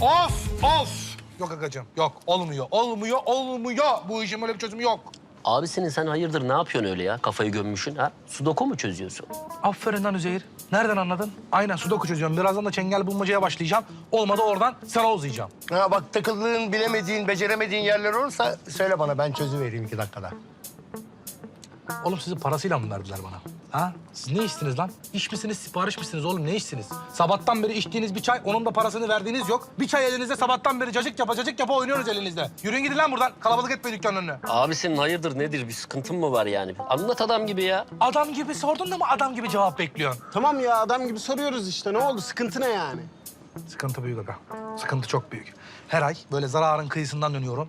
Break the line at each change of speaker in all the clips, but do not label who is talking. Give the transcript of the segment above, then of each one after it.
Of! Yok agacığım, yok. Olmuyor. Bu işin böyle bir çözümü yok.
Abisinin sen hayırdır ne yapıyorsun öyle ya? Kafayı gömmüşsün ha? Sudoku mu çözüyorsun?
Aferin lan Üzeyir. Nereden anladın? Aynen sudoku çözüyorum. Birazdan da çengel bulmacaya başlayacağım. Olmadı oradan sana uzayacağım.
Ha bak takıldığın, bilemediğin, beceremediğin yerler olursa söyle bana, ben çözüvereyim 2 dakikada.
Oğlum sizi parasıyla mı verdiler bana? Ha? Siz ne içtiniz lan? İş misiniz, sipariş misiniz oğlum? Ne içtiniz? Sabahtan beri içtiğiniz bir çay, onun da parasını verdiğiniz yok. Bir çay elinizde, sabahtan beri cacık yapa oynuyoruz elinizde. Yürüyün gidin lan buradan. Kalabalık etmeyin dükkanın önüne.
Abisinin hayırdır nedir? Bir sıkıntın mı var yani? Anlat adam gibi ya.
Adam gibi sordun da mı adam gibi cevap bekliyorsun?
Tamam ya, adam gibi soruyoruz işte. Ne oldu? Sıkıntı ne yani?
Sıkıntı büyük aga. Sıkıntı çok büyük. Her ay böyle zararın kıyısından dönüyorum.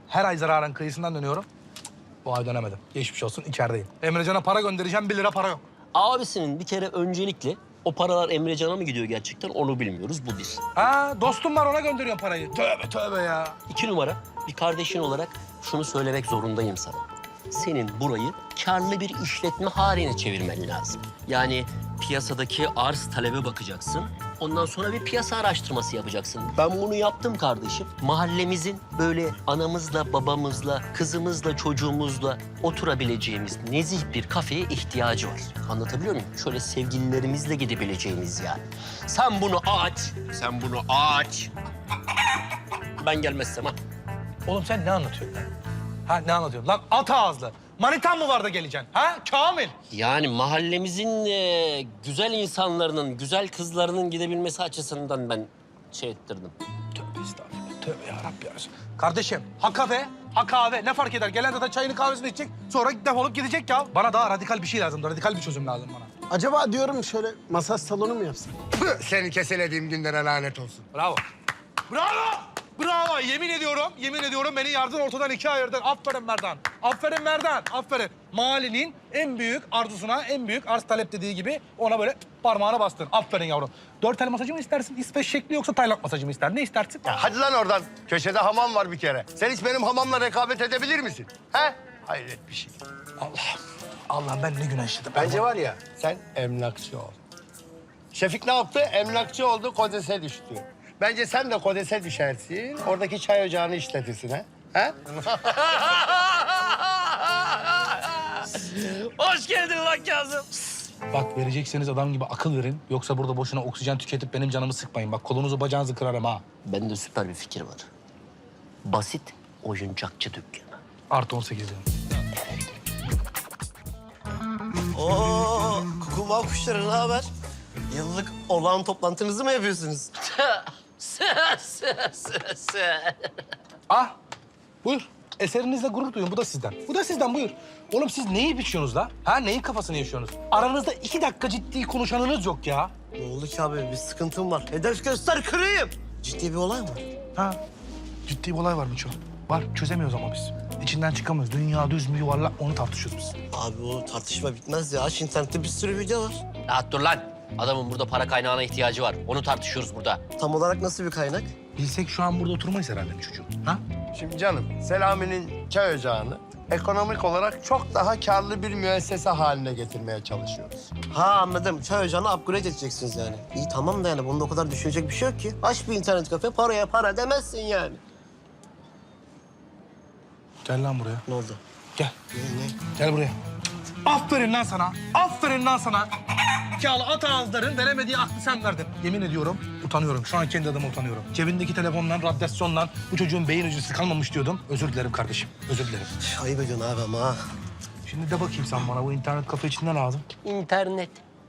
Bu ay dönemedim. Geçmiş olsun, içerideyim. Emrecan'a para göndereceğim, 1 lira para yok.
Abisinin bir kere öncelikle o paralar Emrecan'a mı gidiyor gerçekten onu bilmiyoruz. Bu bir.
Ha, dostum var ona gönderiyorum parayı. Tövbe ya.
2 numara bir kardeşin olarak şunu söylemek zorundayım sana. Senin burayı karlı bir işletme haline çevirmen lazım. Yani piyasadaki arz talebe bakacaksın. Ondan sonra bir piyasa araştırması yapacaksın. Ben bunu yaptım kardeşim. Mahallemizin böyle anamızla, babamızla, kızımızla, çocuğumuzla oturabileceğimiz nezih bir kafeye ihtiyacı var. Anlatabiliyor muyum? Şöyle sevgililerimizle gidebileceğimiz yani. Sen bunu aç. Ben gelmezsem ha.
Oğlum sen ne anlatıyorsun lan? Ha ne anlatıyorsun? Lan at ağızlı. Manitan mı var da geleceksin? Ha Kamil?
Yani mahallemizin güzel insanlarının, güzel kızlarının gidebilmesi açısından ben şey ettirdim.
Tövbe estağfurullah. Tövbe yarabbim yarısı. Kardeşim ha kafe, ha kahve. Ne fark eder? Gelen zaten çayını kahvesini içecek. Sonra defolup gidecek ya. Bana daha radikal bir şey lazım. Radikal bir çözüm lazım bana.
Acaba diyorum şöyle masaj salonu mu yapsak?
Püh, seni keselediğim günlere lanet olsun.
Bravo. Bravo. Yemin ediyorum beni yardın ortadan 2'ye ayırdın. Aferin Merdan. Mahallenin en büyük arzusuna, en büyük arz talep dediği gibi ona böyle parmağına bastın. Aferin yavrum. 4 el masajı mı istersin? İsveç şekli yoksa Tayland masajı mı ister? Ne istersin?
Ya hadi lan oradan. Köşede hamam var bir kere. Sen hiç benim hamamla rekabet edebilir misin? He? Hayret bir şey.
Allah'ım ben ne günah işledim.
Bence var ya, sen emlakçı ol. Şefik ne yaptı? Emlakçı oldu, kodese düştü. Bence sen de kodese düşersin, oradaki çay ocağını işletirsin ha? Ha?
Hoş geldin lan Kazım.
Bak verecekseniz adam gibi akıl verin. Yoksa burada boşuna oksijen tüketip benim canımı sıkmayın. Bak kolunuzu bacağınızı kırarım ha.
Bende süper bir fikir var. Basit oyuncakçı dükkanı.
Artı 18 diyorum.
Oo, kukumav kuşları ne haber? Yıllık olağan toplantınızı mı yapıyorsunuz?
Ah buyur. Eserinizle gurur duyun. Bu da sizden buyur. Oğlum siz neyi biçiyorsunuz la? Ha neyin kafasını yaşıyorsunuz? Aranızda 2 dakika ciddi konuşanınız yok ya.
Ne oldu ki abi? Bir sıkıntım var. Hedef göster kırayım. Ciddi bir olay mı?
Ha ciddi bir olay var Miço. Var çözemiyoruz ama biz. İçinden çıkamıyoruz. Dünya düz mü yuvarlak onu tartışıyoruz biz.
Abi o tartışma bitmez ya. Aç internette bir sürü video var.
Rahat dur lan. Adamın burada para kaynağına ihtiyacı var. Onu tartışıyoruz burada.
Tam olarak nasıl bir kaynak?
Bilsek şu an burada oturmayız herhalde mi çocuğum? Ha?
Şimdi canım, Selami'nin çay ocağını ekonomik olarak çok daha karlı bir müessese haline getirmeye çalışıyoruz.
Ha anladım. Çay ocağını upgrade edeceksiniz yani. İyi tamam da yani bunda o kadar düşünecek bir şey yok ki. Aç bir internet kafe, paraya para demezsin yani.
Gel lan buraya.
Ne oldu?
Gel.
Ne?
Gel buraya. Aferin lan sana. Zekalı at ağızların veremediği aklı sen verdin. Yemin ediyorum utanıyorum. Şu an kendi adıma utanıyorum. Cebindeki telefonla, radyasyonla bu çocuğun beyin hücresi kalmamış diyordum. Özür dilerim kardeşim. Özür dilerim.
Ayıp ediyorsun abi ama ha.
Şimdi de bakayım sen bana bu internet kafe için ne lazım?
İnternet.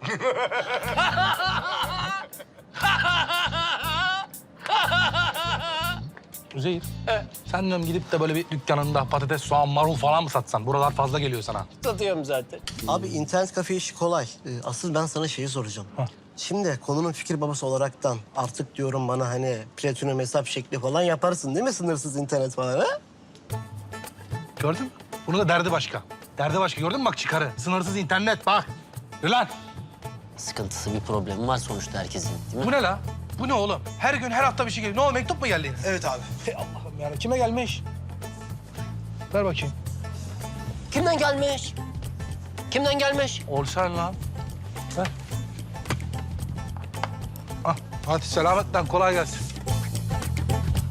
Üzeyir. Sen diyorum gidip de böyle bir dükkanında patates, soğan, marul falan mı satsan? Buralar fazla geliyor sana.
Satıyorum zaten.
Abi internet kafe işi kolay. Asıl ben sana şeyi soracağım.
Hah.
Şimdi konunun fikir babası olaraktan artık diyorum bana hani platinum hesap şekli falan yaparsın değil mi? Sınırsız internet falan ha?
Gördün mü? Bunun da derdi başka. Derdi başka. Gördün mü bak çıkarı. Sınırsız internet bak. Yürü lan.
Sıkıntısı bir problemi var sonuçta herkesin değil mi?
Bu ne la? Bu ne oğlum? Her gün, her hafta bir şey geliyor. Ne oldu? Mektup mu geldi yine?
Evet abi.
Hey Allah'ım yani. Kime gelmiş? Ver bakayım.
Kimden gelmiş? Kimden gelmiş?
Olsan lan. Ver. Ah, hadi selametle kolay gelsin.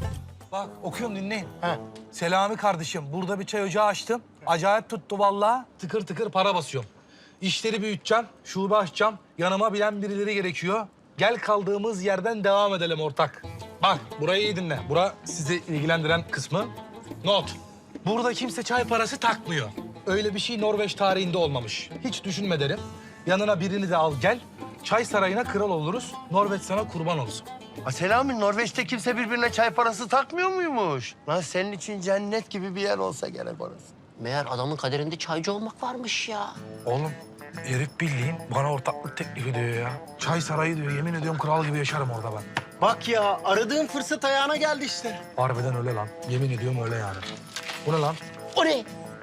Bak okuyorum dinleyin.
Ha.
Selami kardeşim burada bir çay ocağı açtım. Acayip tuttu vallahi. Tıkır tıkır para basıyorum. İşleri büyüteceğim, şube açacağım. Yanıma bilen birileri gerekiyor. Gel kaldığımız yerden devam edelim ortak. Bak burayı iyi dinle. Bura sizi ilgilendiren kısmı. Not. Burada kimse çay parası takmıyor. Öyle bir şey Norveç tarihinde olmamış. Hiç düşünme derim. Yanına birini de al gel. Çay sarayına kral oluruz. Norveç sana kurban olsun.
Selami, Norveç'te kimse birbirine çay parası takmıyor muymuş? Lan senin için cennet gibi bir yer olsa gerek orası.
Meğer adamın kaderinde çaycı olmak varmış ya.
Oğlum herif bildiğin bana ortaklık teklif ediyor ya. Çay sarayı diyor. Yemin ediyorum kral gibi yaşarım orada ben.
Bak ya aradığın fırsat ayağına geldi işte.
Harbiden öyle lan. Yemin ediyorum öyle yani. Bu ne lan?
O ne?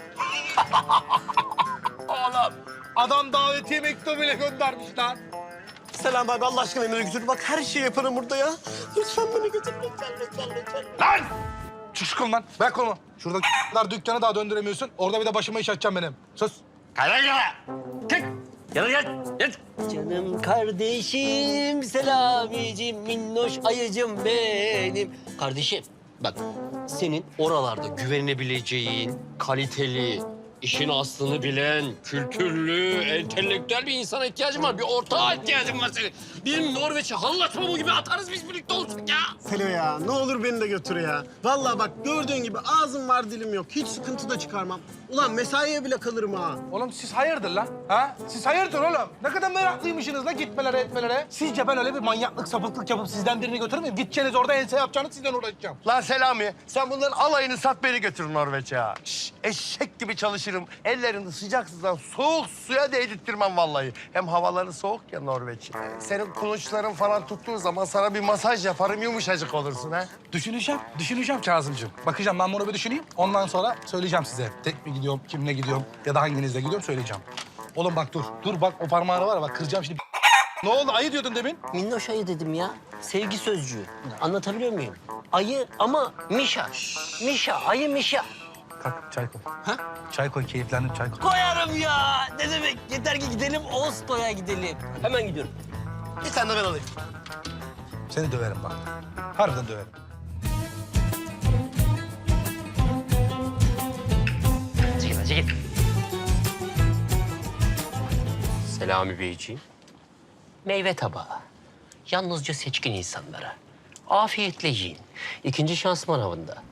Oğlum adam davetiye mektubuyla göndermiş lan.
Selam abi, Allah aşkına beni götür. Bak her şeyi yaparım burada ya. Lütfen beni götür, lütfen.
Lan! Çık şu kolundan. Bırak kolumu. Şurada kadar dükkanı daha döndüremiyorsun. Orada bir de başıma iş açacağım benim. Sus.
Canım kardeşim, Selamicim, minnoş ayıcım benim. Kardeşim bak senin oralarda güvenebileceğin, kaliteli, işin aslını bilen, kültürlü, entelektüel bir insana ihtiyacın var. Bir ortağa ihtiyacın var senin. Bir Norveç'e hallaç pamuğu gibi atarız biz birlikte olsun ya.
Selo ya ne olur beni de götür ya. Vallahi bak gördüğün gibi ağzım var dilim yok. Hiç sıkıntı da çıkarmam. Ulan mesaiye bile kalırım ha.
Oğlum siz hayırdır lan? Ha? Siz hayırdır oğlum? Ne kadar meraklıymışsınız lan gitmelere etmelere. Sizce ben öyle bir manyaklık, sapıklık yapıp sizden birini götürmeyeyim. Gideceğiniz orada ense yapacağınız sizden uğraşacağım.
Lan Selami, sen bunların alayını sat, beni götür Norveç'e ya. Şş, eşek gibi çalışırım. Ellerini sıcak sudan soğuk suya değdirttirmem vallahi. Hem havaları soğuk ya Norveç'in. Senin kulunçların falan tuttuğu zaman sana bir masaj yaparım, yumuşacık olursun ha.
Düşüneceğim Kazımcığım. Bakacağım ben bunu bir düşüneyim. Ondan sonra söyleyeceğim size. Tek mi gidiyorum, kimle gidiyorum ya da hanginizle gidiyorum söyleyeceğim. Oğlum bak dur. Dur bak o parmağını var ya bak kıracağım şimdi. Ne oldu? Ayı diyordun demin.
Minnoş ayı dedim ya. Sevgi sözcüğü. Anlatabiliyor muyum? Ayı ama Mişa. Mişa, ayı Mişa.
Kalk çay koy.
Ha?
Çay koy, keyiflendim çay koy.
Koyarım ya. Ne demek? Yeter ki gidelim, Oslo'ya gidelim. Hemen gidiyorum.
Bir tane de ben alayım.
Seni döverim bak. Harbiden döverim.
Çekil. Selami Beyciğim. Meyve tabağı. Yalnızca seçkin insanlara. Afiyetle yiyin. İkinci şans manavında.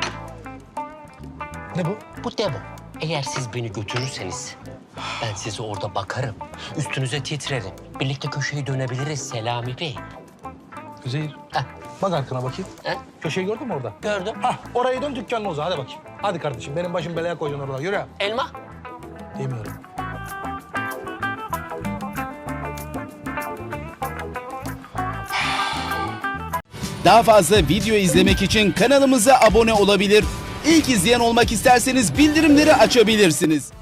Ne bu?
Bu demo. Eğer siz beni götürürseniz ben size orada bakarım. Üstünüze titrerim. Birlikte köşeyi dönebiliriz Selami Bey.
Üzeyir.
Heh.
Bak arkana bakayım.
Heh,
Köşeyi gördün mü orada?
gördüm.
Hah, orayı dön dükkanına uza. Hadi bakayım. Hadi kardeşim, benim başım belaya koydun orada. Yürü.
Elma.
Yemiyorum.
Daha fazla video izlemek için kanalımıza abone olabilir. İlk izleyen olmak isterseniz bildirimleri açabilirsiniz.